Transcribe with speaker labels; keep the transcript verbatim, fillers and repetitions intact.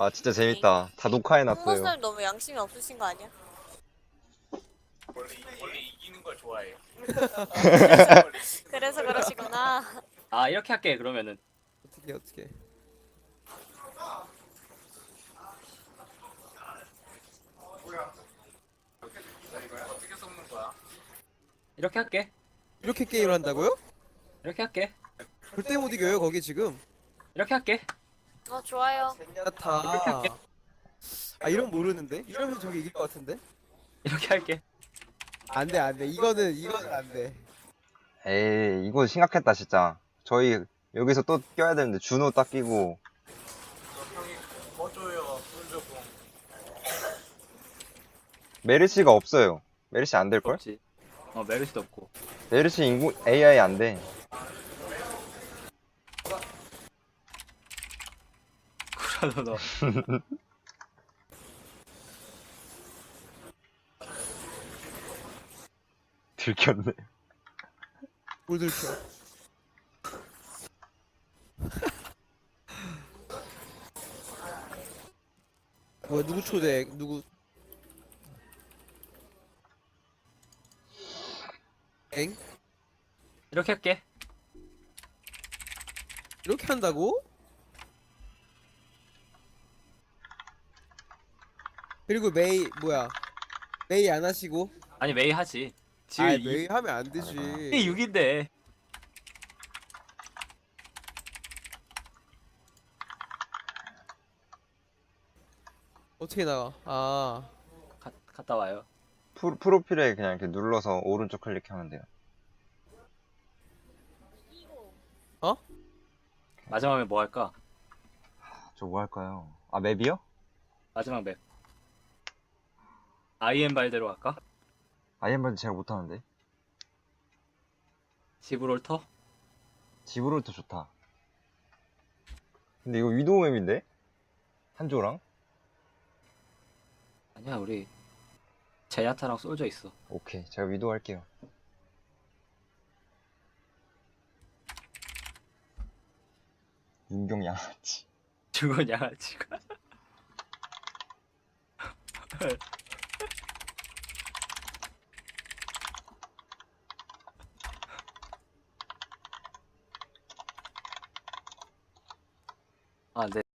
Speaker 1: 아 진짜 재밌다. 다 녹화해놨어요.
Speaker 2: 홍보사님 너무 양심이 없으신 거 아니야?
Speaker 3: 원래, 이- 원래 이기는 걸 좋아해요.
Speaker 2: 그래서 그러시구나.
Speaker 4: 아 이렇게 할게 그러면은.
Speaker 5: 어떻게 어떻게?
Speaker 3: 어떻게 섞는 거야?
Speaker 4: 이렇게 할게.
Speaker 5: 이렇게 게임을 한다고요?
Speaker 4: 이렇게 할게.
Speaker 5: 절대 못 이겨요 거기 지금.
Speaker 4: 이렇게 할게.
Speaker 2: 어 좋아요.
Speaker 5: 야타. 아 이런 모르는데? 이러면 저기 이길 것 같은데?
Speaker 4: 이렇게 할게.
Speaker 5: 안돼 안돼 이거는 이거는 안돼.
Speaker 1: 에이 이거 심각했다 진짜. 저희 여기서 또 껴야 되는데 준호 딱 끼고.
Speaker 3: 저 형이 뭐 줘요? 돈 주고.
Speaker 1: 메르시가 없어요. 메르시 안 될걸?
Speaker 4: 없지. 어 메르시도 없고.
Speaker 1: 메르시 인구 에이아이 안 돼.
Speaker 4: 그러다 너.
Speaker 1: 들켰네.
Speaker 5: 뭘 들켜? 뭐야 누구 초대 누구? 엥?
Speaker 4: 이렇게 할게.
Speaker 5: 이렇게 한다고? 그리고 메이 뭐야? 메이 안 하시고?
Speaker 4: 아니 메이 하지. 지금
Speaker 5: 아
Speaker 4: 이
Speaker 5: 메이 하면 안 되지.
Speaker 4: 이게 육인데.
Speaker 5: 어떻게 나가? 아
Speaker 4: 가, 갔다 와요.
Speaker 1: 프로, 프로필에 그냥 이렇게 눌러서 오른쪽 클릭하면 돼요.
Speaker 5: 어?
Speaker 4: 마지막에 뭐 할까?
Speaker 1: 저 뭐 할까요? 아 맵이요?
Speaker 4: 마지막 맵. 아이엠 발대로 할까?
Speaker 1: 아이엠바드 제가 못하는데.
Speaker 4: 지브롤터?
Speaker 1: 지브롤터 좋다. 근데 이거 위도우 맵인데? 한조랑?
Speaker 4: 아니야 우리 제야타랑 솔져 있어.
Speaker 1: 오케이 제가 위도우 할게요. 윤경 양아치.
Speaker 4: 죽은 양아치가. 아 네.